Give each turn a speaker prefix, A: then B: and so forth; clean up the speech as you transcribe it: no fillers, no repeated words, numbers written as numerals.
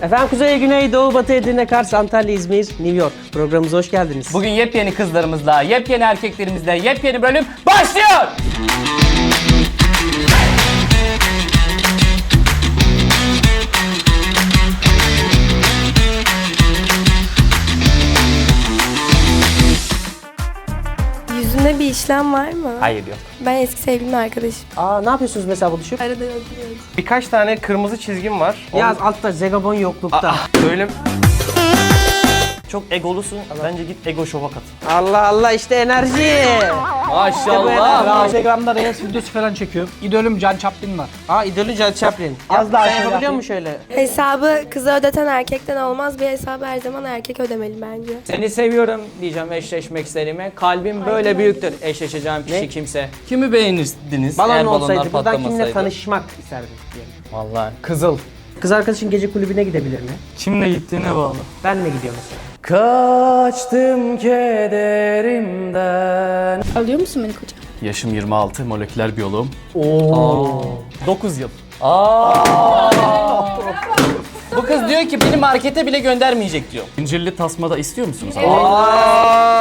A: Efendim Kuzey, Güney, Doğu, Batı, Edirne, Kars, Antalya, İzmir, New York. Programımıza hoş geldiniz.
B: Bugün yepyeni kızlarımızla, yepyeni erkeklerimizle yepyeni bölüm başlıyor!
C: Yüzünde bir işlem var mı?
B: Hayır yok.
C: Ben eski sevgilimin arkadaşım.
A: Ne yapıyorsunuz mesela buluşup?
C: Arada oturuyoruz.
D: Birkaç tane kırmızı çizgim var.
A: Yaz altta Zegabon yoklukta.
D: Böyle
E: Çok egolusun. Bence git ego şova kat.
A: Allah Allah, işte enerji.
B: Maşallah.
F: Instagram'da Reels videosu falan çekiyorum. İdolüm Can Chaplin var.
A: İdolü Charlie Chaplin.
F: Az daha
A: Sen
F: şöyle
A: yapabiliyor
F: yapayım.
A: musun şöyle?
C: Hesabı kıza ödeten erkekten olmaz. Bir hesabı her zaman erkek ödemeli bence.
B: Seni seviyorum diyeceğim eşleşmek istediğime. Kalbim böyle büyüktür eşleşeceğim kişi kimse. Kimi beğenirdiniz
A: Balon
B: eğer
A: olsaydı
B: balonlar
A: buradan kimle
B: patlamasaydı?
A: tanışmak isterdin diyelim.
B: Vallahi Kızıl.
A: Kız arkadaşın gece kulübüne gidebilir mi?
E: Kimle gittiğine bağlı.
A: Ben mi gidiyorum mesela?
B: Kaçtım kederimden.
C: Alıyor musun beni koca?
E: Yaşım 26, moleküler biyoloğum. 9 yıl.
B: Bu kız diyor ki beni markete bile göndermeyecek diyor.
E: İncirli tasmada istiyor musunuz?